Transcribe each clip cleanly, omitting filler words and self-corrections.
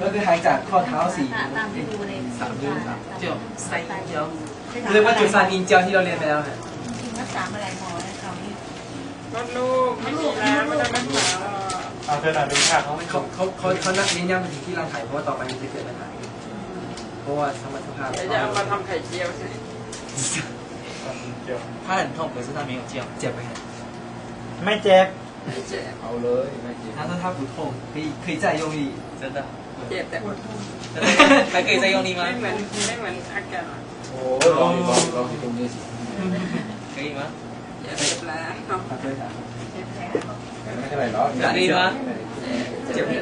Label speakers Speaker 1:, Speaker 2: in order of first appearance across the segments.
Speaker 1: ก็คือห่างจากข้อเท้า4
Speaker 2: ตามที่ดูใน3 นิ้ว
Speaker 3: 就塞腰
Speaker 1: เรียกว่าจุดซานินเจียวที่เราเรียนไปแล้วนะ
Speaker 2: จริงรักษาอะไรหมอให้เขานี่
Speaker 4: มดลูกไม่มีแล้วไม่ได้รักษา
Speaker 5: เอาเธอหน่อยเป็นค่าเขา
Speaker 1: เขานักเน้นย้ำไปถึงที่ร่างกายเพราะว่าต่อไปมันจะเกิดปัญหาเพราะว่าธรรมชาติ
Speaker 4: เดี๋ยวจะเอามาทำไข่เจียวสิ
Speaker 5: เดี๋ยว
Speaker 3: 他很痛，可是他没有叫。
Speaker 1: เจ็บไหมครับ
Speaker 5: ไม่เจ็บ
Speaker 6: เอาเลยไม่เจ็บ
Speaker 1: 他说他不痛可以再用力
Speaker 3: 真的？
Speaker 4: เจ็บแต่ปวด
Speaker 3: 还可以再用力吗？
Speaker 4: ไม่เหมือนอาการ
Speaker 6: โอ้ยลองที่ตรงนี้สิ
Speaker 3: 可以吗？
Speaker 4: เจ็บแล้ว
Speaker 1: ขอโทษครับ
Speaker 6: ไม่เท่าไหร่หรอก
Speaker 3: 哪里吗？
Speaker 1: เจ็บ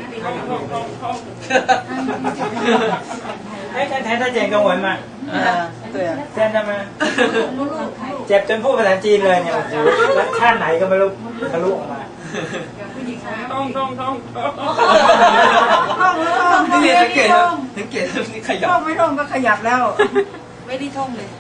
Speaker 5: 哎，他เจ็บกับหัวมาเส้นได้ไหมเจ็บจนพูดภาษาจีนเลยเนี่ยโอ้โหแล้วชาติไหนก็ไม่รู้ทะลุออกมา
Speaker 4: ท้อง
Speaker 1: นี่เรียนสังเกตครับสังเกตนี่ขยับ
Speaker 2: ไม่ท่องก็ขยับแล้ว ไม่ได้ท่องเลย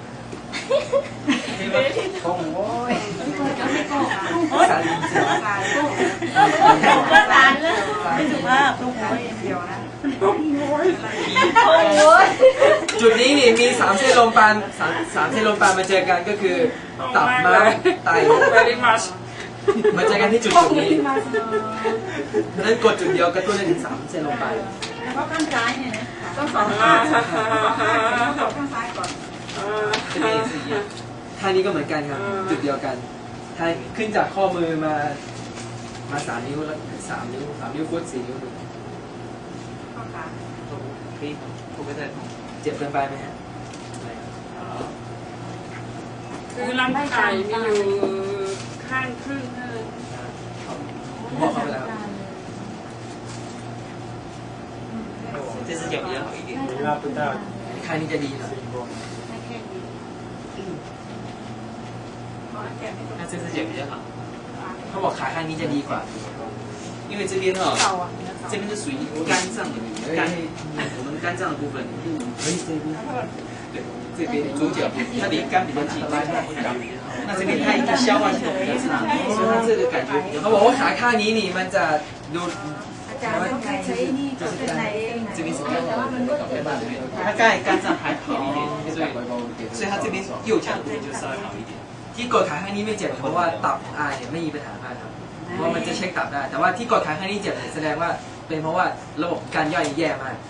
Speaker 6: ท้องโอ้ย
Speaker 1: ซาลินเจียว
Speaker 2: ก็ตานเลยไม่ถูกมากลูกหัวเดียวนะโอ้ย
Speaker 1: จุดนี้นี่มี3เส้นลมปาน3เส้นลมปานมาเจอกันก็คือตับม้ามไต
Speaker 4: เวลิมัส
Speaker 1: มาเจอกันที่จุดนี้นั้นกดจุดเดียวกระตุ้นได้ถึง3เส้นลมปาน
Speaker 2: เพราะข้างซ้ายเนี่ยนะต้องสอง
Speaker 4: อ่า
Speaker 2: ข้างข้างซ้ายก่อน
Speaker 1: 这边也是一样ท่านี้ก็เหมือนกันครับจุดเดียวกันท่าขึ้นจากข้อมือมา3 นิ้วแล้ว3 นิ้วฟุต4 นิ้ว
Speaker 2: ข้างขา
Speaker 3: 可以吗？会不会太痛？
Speaker 1: เจ็บเกินไปไหมฮะ
Speaker 4: คือร่างกายมีอยู่ข้างครึ่ง
Speaker 1: ผมบอกเขาไปแล้ว
Speaker 3: 这只脚比较好一点。
Speaker 5: มีว่าพุทธเจ้า
Speaker 1: ข้างนี้จะดีหน่อย
Speaker 2: ไม่แค่นี้
Speaker 3: 那这只脚比较好，
Speaker 1: เขาบอกขาข้างนี้จะดีกว่า
Speaker 3: 因为这边哈、
Speaker 2: เก่าอ่ะ
Speaker 3: 这边是属于肝脏的肝，我们肝脏的部分。
Speaker 1: เฮ้ยเจ็บ
Speaker 3: 对，这边左脚它离肝比较近，那这边它一个消化系统比较差，所以它这个感觉比较
Speaker 1: เขาบอกว่าขาข้างนี้นี่มันจะดู
Speaker 2: อาจารย์ต้องใช้นี่ก็เป็นในเอง
Speaker 3: 这边是肝，
Speaker 2: แต่ว่ามันก็เจ็บ
Speaker 3: 它肝脏还好一点，所以它这边右脚的部分就稍微好一点。
Speaker 1: ที่กดขาข้างนี้ไม่เจ็บเพราะว่าตับเนี่ยไม่มีปัญหามากครับเพราะว่ามันจะเช็คตับได้แต่ว่าที่กดขาข้างนี้เจ็บแสดงว่าเป็นเพราะว่าระบบการย่อยแย่มาก